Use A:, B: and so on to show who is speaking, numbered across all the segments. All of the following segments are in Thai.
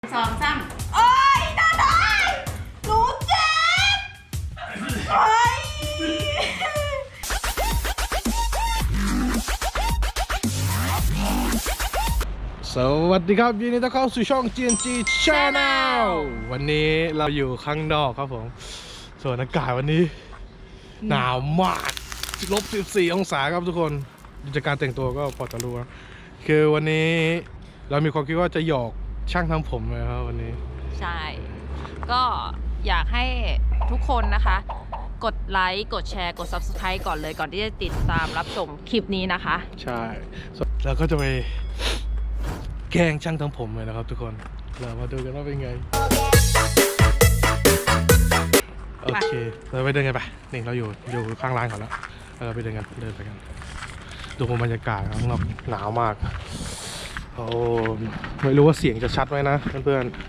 A: สองสาม
B: โอ๊ยน่าได้หนูเจ็บโอ๊ย
C: สวัสดีครับยินดีต้อนรับเข้าสู่ช่อง GNG Channel วันนี้เราอยู่ข้างนอกครับผมส่วนอากาศวันนี้หนาวมาก-14 องศาครับทุกคนจากการแต่งตัวก็พอจะรู้นะคือวันนี้เรามีความคิดว่าจะหยอกช่างทำผมนะครับวันนี้
B: ใช่ ก็อยากให้ทุกคนนะคะ กดไลค์กดแชร์กด Subscribe ก่อนเลยก่อนที่จะติดตามรับชมคลิปนี้นะคะ
C: ใช่แล้วก็จะไปแกล้งช่างทำผมเลยนะครับทุกคนเรามาดูกันว่าเป็นไงโอเคเราไปเดินกันไปนี่เราอยู่ข้างร้านก่อนแล้วเราไปเดินไปกันดูบรรยากาศข้างนอกหนาวมากโอ้ไม่รู้ว่าเสียงจะชัดไหมนะเพื่อนๆ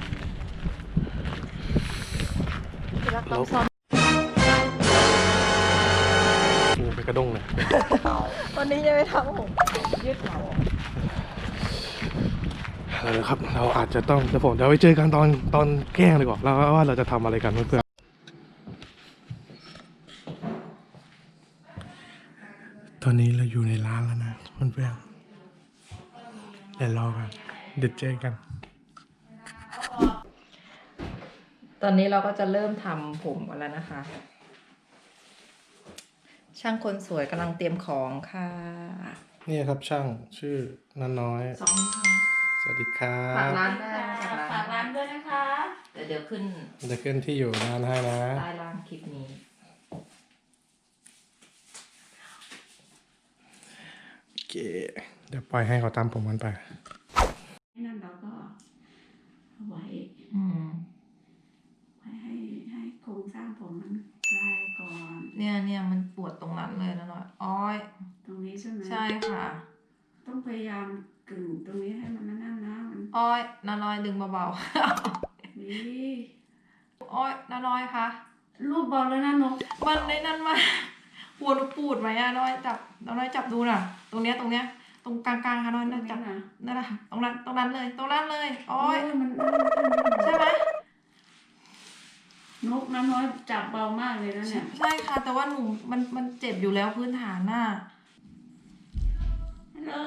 C: โอ้ไปกระด้งเลย
B: วันนี้จะไปทำผมยืดเหลา
C: ครับเราอาจจะต้องเดี๋ยวไปเจอกันตอนแกล้งดีกว่าแล้วว่าเราจะทำอะไรกันเพื่อนๆตอนนี้เราอยู่ในร้านแล้วนะเพื่อนๆเดี๋ยวรอกันเดี๋ยวเจอกัน
B: ตอนนี้เราก็จะเริ่มทำผมกันแล้วนะคะ ช่างคนสวยกำลังเตรียมของค่ะ
C: นี่ครับช่างชื่อนันน้อย
B: สองค่ะ
C: สวัสดีครับ
B: ฝากร้านได้
A: ฝากร้านด้วยนะคะ
B: เดี๋ยวขึ้น
C: จะขึ้นที่อยู่ร้านให้นะ
B: ใต้ล่างคลิปนี้
C: โอเคเดี๋ยวปล่อยให้เขาตามผมกันไป
A: นั่นเราก็เอาไว้
B: อืม
A: ให้โครงสร้างผมมันคลายก่อน
B: เนี่ยมันปวดตรงนั้นเลยนะหน่อยอ้อย
A: ตรงนี้ใช่ไหม
B: ใช่ค่ะ
A: ต้องพยายามกึ่งตรงนี้ให้มันนั่นนะมัน
B: อ้อยนาน้อยดึงเบา
A: นี่
B: ๆ อ้อยนาน้อยคะ
A: รูปบอลแล้วนะนก
B: มันในนั้นมาหัวหนูปูดไหมอะน้อยจับดูน่ะ ตรงเนี้ยตรงกลางๆค่ะน้อยน่าจับ
A: นะ
B: นั่นแหละตรงนั้นเลยอ้อย
A: มัน
B: ใช่ไหม
A: นกน้ำน้อยจับเบามากเลยนะเนี่ย
B: ใช่ค่ะ แต่ว่าหนูมันเจ็บอยู่แล้วพื้นฐานน่ะ
A: ฮัลโหล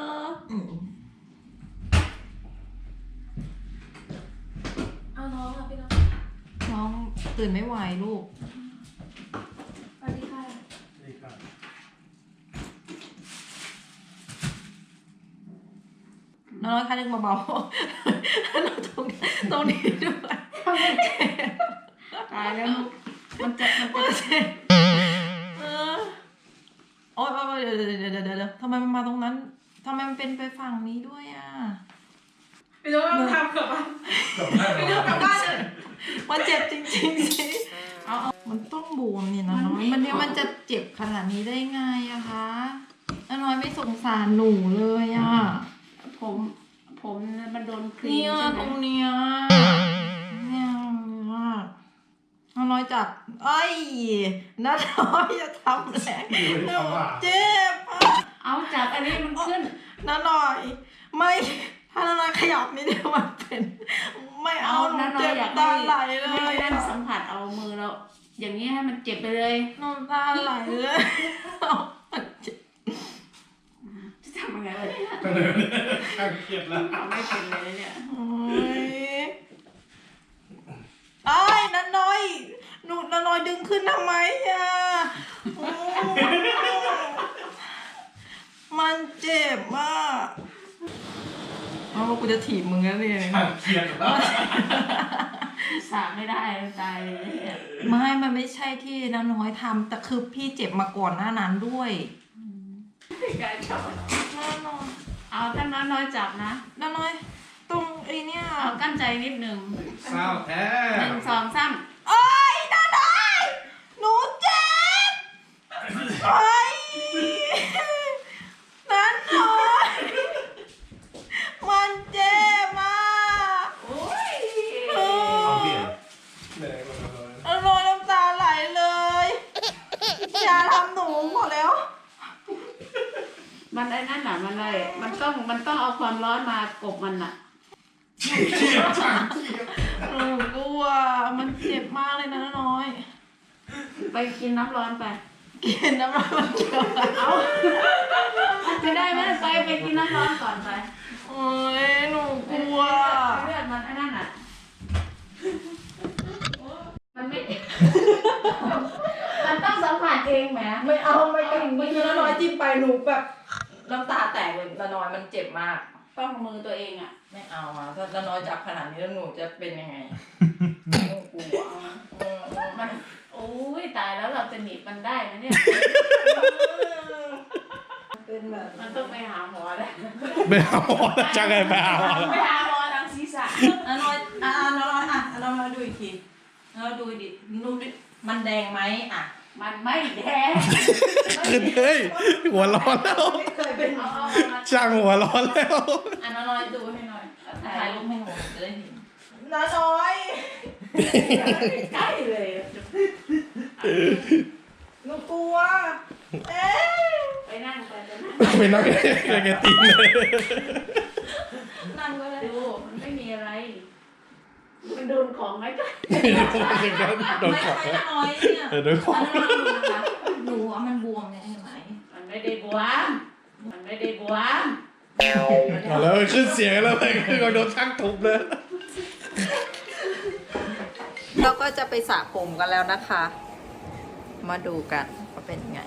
B: เอาน้องค่ะพี่น้องตื่นไม่ไหวลูก
A: สวัสดีค่ะ
B: น้อยค่ะดึงเบาๆเราตรงนี้ด้วย
A: ตายแล้วนกมันจะ
B: เออโอ๊ยเดี๋ยวทำไมมันมาตรงนั้นทำไมมันเป็นไปฝั่งนี้ด้วยอ่ะ
A: ไม่รู้ว่าทำเกือบอ่ะ
B: ไม่รู้กลับบ้านเลยมันเจ็บจริงๆสิมันต้องบวมนี่นะน้อยมันจะเจ็บขนาดนี้ได้ไงอะคะน้อยไม่สงสารหนูเลยอะ
A: ผมมันโดนครี
B: เนี่ย
A: มใช่ไห
B: ต
A: ม
B: รงเนี้ยเนี่ยน้อยจับไอ้น้อยจะทำแรงเจ็บ
A: เอาจับอันนี้มันขึ้น
B: น้อยไม่ถ้าน้อยขยับนิดเดียวมันเป็นไม่เอาหนู
A: น้าน้อ
B: เจ็
A: ย
B: บ
A: อยาก
B: ตาไหลเล
A: ให้
B: ย
A: นั่นสัมผัสเอามือเราอย่างนี้ให้มันเจ็บไปเลย
B: น้ำตาไหลเลยเจ็บ
A: จะทำยังไงวะเนี่ย
C: เครียดแล้ว
A: เอาไม่เป็นเลยเนี่ย
B: โอ้ยไอ้น้อยหนูน้อยดึงขึ้นทำไมอ่ะโอ้มันเจ็บมากเอาว่ากูจะถีบมึงแล้วเนี่ย
C: เครียดแล้ว
A: สาไม่ได้ตายเลยเนี่ย
B: มันไม่ใช่ที่น้อยทำแต่คือพี่เจ็บมาก่อนหน้านั้นด้วย
A: การจับ
B: น้อย
A: เอาถ้าน้อยจับนะ
B: น้อยตรงไอ้เนี่ย
A: เอากั้นใจนิดหนึ่ง
C: เศร้าแท้
A: 1 2 3
B: โอ๊ยน้อยหนูเจ็บโอ๊ยน้อยมันเจ็บมาก
A: โอ้ย
B: น้อยน้ำตาไหลเลยอย่าทำหนูหมดแล้ว
A: มันไอ้นั่นน่ะมันเลยมันต้องเอาความร้อนมากบมันน่ะ
C: เครียดจังเครียด
A: ไปกินน้ำร้อนไป
B: กินน้ำร้อนมันเกี่ยวอะไร
A: เอาไม่ได้ไม่ได้ไปกินน้ำร้อนก่อนไป
B: โอ้ยหนูกลัว
A: เลือดมันไอ้นั่นอ่ะมันไม่ มันต้องสัมผัสเองแหม
B: ไม่เอาไม่กินเมื่อกี้น้อยจิ้มไปหนูแบบน้ำตาแตกเลยน้อยมันเจ็บมาก
A: ต้องมือตัวเองอ่ะ
B: ไม่เอาอ่ะถ้าน้อยจับขนาดนี้แล้วหนูจะเป็นยังไงหนูกลัว
A: มันโอ้ยตายแล้วเราจะหนีบมันได้ไหมเนี่ย
B: เป็นแบบ
A: มันต้องไปหาหมอแล้ว
C: ไม่เอาจะไงไม่เอา
A: ไปหาหมอทางศีรษะ
B: น้อยน้อยดูอีกทีเราดูดิดูดิมันแดงไหมอ่ะ
A: มันไม่แดง
C: ขึ้นเฮ้ยหัวร้อนแล้ว
B: ไม่เคยเป็น
A: เอามา
C: ช่างหัวร้อนแล้ว
A: น้อยดูให้หน่อย
B: ถ่ายรูปให้หนูจะได้เห็นน้อย
A: ใกล้เลย
B: หนูกลัวเอ๊ะ
A: ไปนั่งไปจะนั่ง
C: ไปนั่งแกตีนเลย
B: นั่งก็ได้
A: ดูมันไม่มีอะไร มันโดนของไหมก็
C: โดนขอ
B: ไม่ใช่น้อยเนี่ย
C: โดนขอ
B: หนูว่ามันบวมเนี่ยเห็นไหม
A: มันไม่ได้บวมมันไม่ได้บวม
C: เอาแล้วขึ้นเสียงแล้วไปคือโดนช่างทุบเลย
B: เราก็จะไปสระผมกันแล้วนะคะ มาดูกันว่าเป็นไง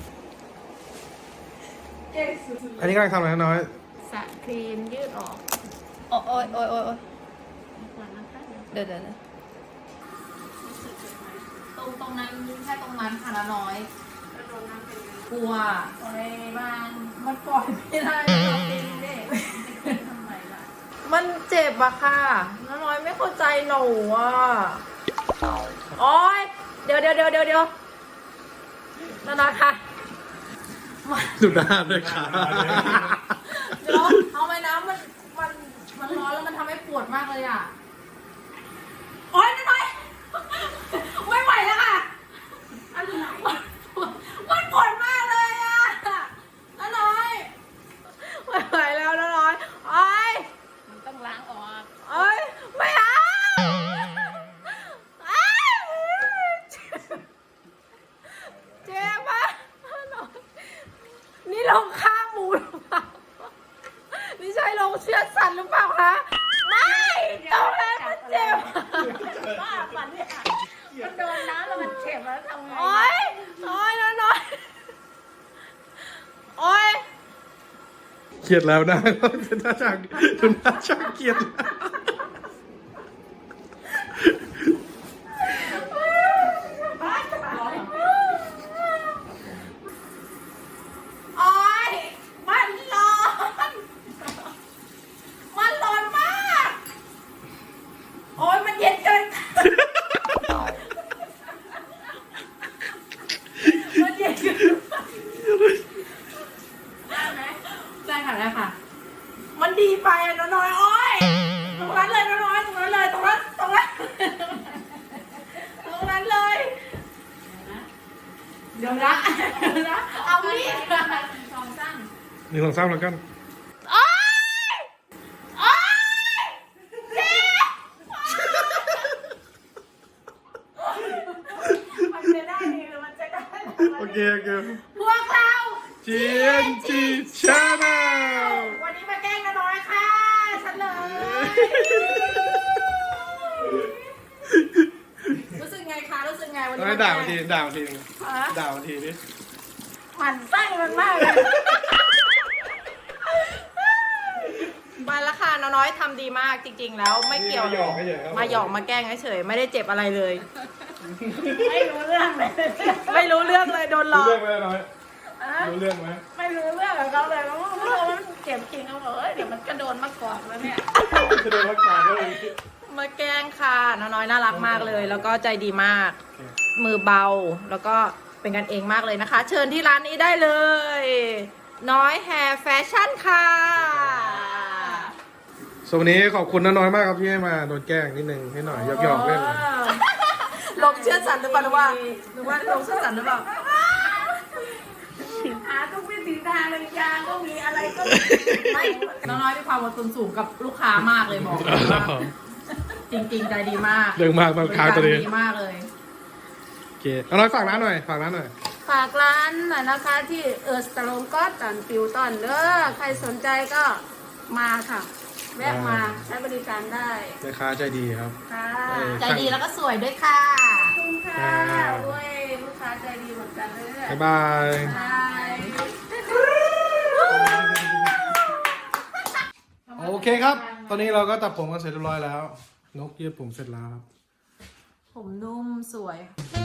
C: อันนี้กำลังทำอะไรน้อย
A: สระครีมยืดออก
B: โอ้ยโอ้ยโอ้ยโอ้ย
A: ก่อนนะคะเดี๋ยว
B: เดี๋ยวตรงนั้นแค่ตรงนั้นค่ะละน้อย
A: จะโดนน้ำเป็นไง
B: กลัว
A: ปล่อยมันปล่อยไม่ได้เราเป็นเด็กทำไมล่ะ
B: มันเจ็บอะค่ะละน้อยไม่เข้าใจหนูอะโอ้ยเดี๋ยวละน้อยค่ะ
C: ดูหน้าด้วยค่ะ
B: เดี๋ยวเอาไปน้ำมันร้อนแล้วมันทำให้ปวดมากเลยอ่ะ โอ๊ยน้อยไม่ไหวแล้วค่ะ
A: อะไร
B: มันปวดมากเลยอ่ะน้อยไม่ไหวแล้วน้อยโอ๊ย
A: มันต้องล้างออก
B: โอ๊ยไม่เอาเจ็บมากนี่ลงข้างหมูหรือเปล่านี่ใช่ลงเชือกสัตว์หรือเปล่าคะไม่ตรงนั้นมันเจ็บ
A: บ้าปันเนี่ยมันโดนน้ำแล้วมันเจ็บแล้วทำไง
B: โอ๊ยน้อยโอ๊ย
C: เครียดแล้วนะหน้าช่างดูหน้าช่างเครียด
B: โอ๊ยมันร้อนมากโอ๊ยมันเย็นเกินมันเย็นเกินได้ค่ะได้ค่ะ มันดีไปอ่ะน้อยโอ๊ยตรงนั้นเลยน้อยตรงนั้นเลยตรงนั้นเลยเดี๋ยวนะเอามีด
A: สองสั้น
C: นี่ลองซ้ำแล้วกัน
B: โอ๊ยโอ๊ยเจ็บ
A: มันจะได้ดีหรือมันจะได้
C: โอเค
B: พวกเรา
C: TNT Channel
B: วันนี้มาแกล้งน้อยค่ะฉันเลยรู้สึกไงคะรู้สึกไงวันนี้
C: น้อยด่ามาทีด่ามาที
B: ฮะ
C: ด่ามาทีนี่
B: หมั่นไส้มันมากเลยมาแล้วค่ะน้อยทำดีมากจริงๆแล้วไม่เกี่ยว
C: หยอกไม่เฉยครับ
B: มาหยอกมาแกล้งเฉยๆไม่ได้เจ็บอะไรเลย
A: ไม่รู้เรื่องเลย
B: ไม่รู้เรื่องเลยโดนหล
C: รู้
B: อก
C: เรื่องไหมน้อยรู้เรื่องไหม
A: ไม่รู้เรื่องกับเขาเลยเพราะว่ามันเจ็บจริงเขาบอกเดี๋ยวมันก็โดนมากอดแล้วเนี่ย
C: จะโดนรักษาด้วย
B: มาแกล้งค่ะน้อยน่ารักมากเลย แล้วก็ใจดีมาก มือเบาแล้วก็เป็นกันเองมากเลยนะคะ เชิญที่ร้านนี้ได้เลย น้อยแฮร์แฟชั่นค่ะ
C: ส่วนวันนี้ขอบคุณน้อยมากครับที่ให้มาโดนแกล้งนิดนึงให้หน่อยหยอกๆเล่น
B: ลงเชื่อสันหรือเปล่าหรือว่าลงเชื่อสันหรือเปล่า
A: หาทุกวิถีทางเลยยาก็มีอะไรก็ไม่
B: น้อยมีความอดทนสูงกับลูกค้ามากเลยบอกเลยว่าจริงๆใจดีมาก
C: เรื่องมากบางครั้งตัวเอง
B: ดีมากเลย
C: โอเคเอาน้อยฝากร้านหน่อยฝากร้านหน่อย
A: ฝากร้านหน่อยนะคะที่สตาร์ลงก็ตันปิวตอนเด้อใครสนใจก็มาค่ะ แวะมาใช้บริการได้
C: แม่ค้าใจดีครับ
A: ค่ะ
B: ใจดีแล้วก็สวยด้วยค่ะ
A: ขอบคุณค่ะด้วยลูกค้าใจดีเหมือนกันเลย
C: บ๊ายบาย
A: ใช่
C: โอเคครับ ตอนนี้เราก็ตัดผมกันเสร็จเรียบร้อยแล้ว นกยืดผมเสร็จแล้วครับ
B: ผมนุ่มสวย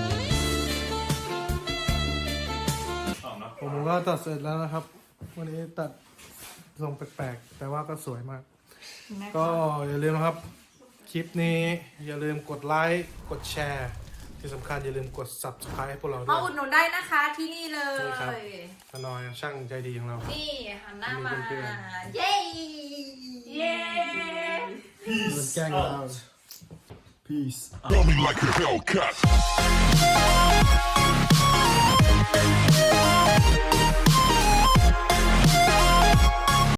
C: ผมก็ตัดเสร็จแล้วนะครับ วันนี้ตัดทรงแปลกๆ แต่ว่าก็สวยมาก ก็อย่าลืมนะครับ คลิปนี้อย่าลืมกดไลค์ กดแชร์ ที่สำคัญอย่าลืมกด subscribe ให้พวกเราด้
B: มา
C: วย
B: อุดหนุนได้นะคะที่นี่เล
C: นี่ครับ
B: ย
C: ตาน้อยช่างใจดีของเรา
B: นี่หันหน้ามา
C: เพื่อน
B: เย้
A: เย้
C: มันแกล้งเรา
D: Peace. Coming like a Hellcat.